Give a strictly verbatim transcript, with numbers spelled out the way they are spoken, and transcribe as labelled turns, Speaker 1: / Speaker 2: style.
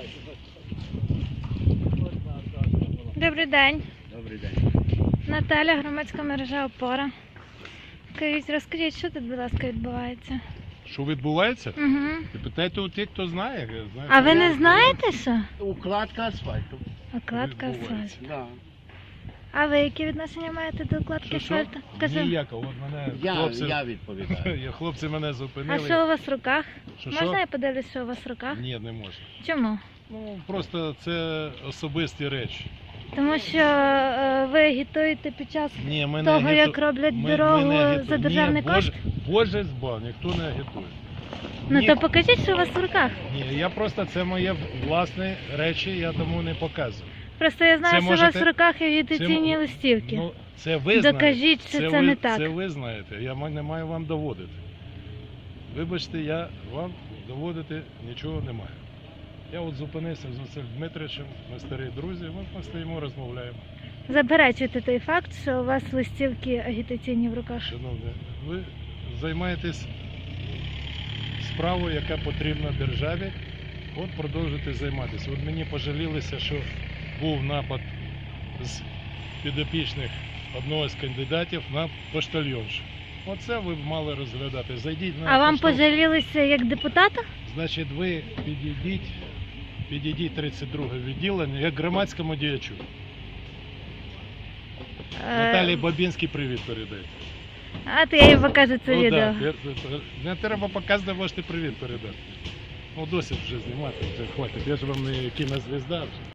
Speaker 1: Добрий день.
Speaker 2: Добрий день.
Speaker 1: Наталя, громадська мережа «Опора». Скажіть, розкажіть, що тут, будь ласка, відбувається?
Speaker 3: Що відбувається?
Speaker 1: Угу.
Speaker 3: І питайте у тих, хто знає. Я знаю,
Speaker 1: А
Speaker 3: що
Speaker 1: ви
Speaker 3: я-
Speaker 1: не знаєте, що?
Speaker 2: Укладка асфальту.
Speaker 1: Окладка
Speaker 3: Відбувається.
Speaker 1: асфальту.
Speaker 2: Да.
Speaker 1: А ви які відношення маєте до укладки
Speaker 3: Що, що?
Speaker 1: асфальту? Кажу.
Speaker 3: Ніякого. От мене
Speaker 2: Я,
Speaker 3: хлопці,
Speaker 2: я відповідаю.
Speaker 3: я, хлопці мене
Speaker 1: А
Speaker 3: зупинили.
Speaker 1: що у вас в руках?
Speaker 3: Що,
Speaker 1: Можна
Speaker 3: що?
Speaker 1: я подивлюсь, що у вас в руках?
Speaker 3: Ні, не можна.
Speaker 1: Чому?
Speaker 3: Ну, просто це особисті речі.
Speaker 1: Тому що е, ви агітуєте під час
Speaker 3: Ні, ми
Speaker 1: того,
Speaker 3: не агіту-
Speaker 1: як роблять
Speaker 3: ми-
Speaker 1: дорогу
Speaker 3: ми не агіту-
Speaker 1: за державний
Speaker 3: Ні,
Speaker 1: кошт?
Speaker 3: Боже, Боже збав, ніхто не агітує.
Speaker 1: Ну
Speaker 3: Ні.
Speaker 1: то покажіть, що у вас в руках.
Speaker 3: Ні, я просто, це моє власні речі, я тому не показую.
Speaker 1: Просто я знаю,
Speaker 3: Це
Speaker 1: що у вас
Speaker 3: можете-
Speaker 1: в руках агітаційні
Speaker 3: це-
Speaker 1: листівки.
Speaker 3: Ну, це ви знаєте.
Speaker 1: Докажіть, що це
Speaker 3: ви,
Speaker 1: не так.
Speaker 3: Це ви знаєте, я ма- не маю вам доводити. Вибачте, я вам доводити нічого не маю. Я от зупинився з Василем Дмитровичем, ми старі друзі, ми постоїмо, розмовляємо.
Speaker 1: Заперечуйте той факт, що у вас листівки агітаційні в руках.
Speaker 3: Шановні, ви займаєтесь справою, яка потрібна державі, от продовжуйте займатися. От мені пожалілися, що був напад з підопічних одного з кандидатів на поштальйоншу. Оце ви б мали розглядати. Зайдіть на
Speaker 1: А вам
Speaker 3: поштовх.
Speaker 1: пожалілися як депутата?
Speaker 3: Значить, ви підійдіть, підійдіть тридцять друге відділення, як громадському діячу. Наталії Бабінській привіт передайте.
Speaker 1: А то я їй покажу це
Speaker 3: Ну,
Speaker 1: відео.
Speaker 3: да, я- не треба показувати, можете привіт передати. Ну, досить вже знімати, вже хватить. Я ж вам не кінозвізда вже.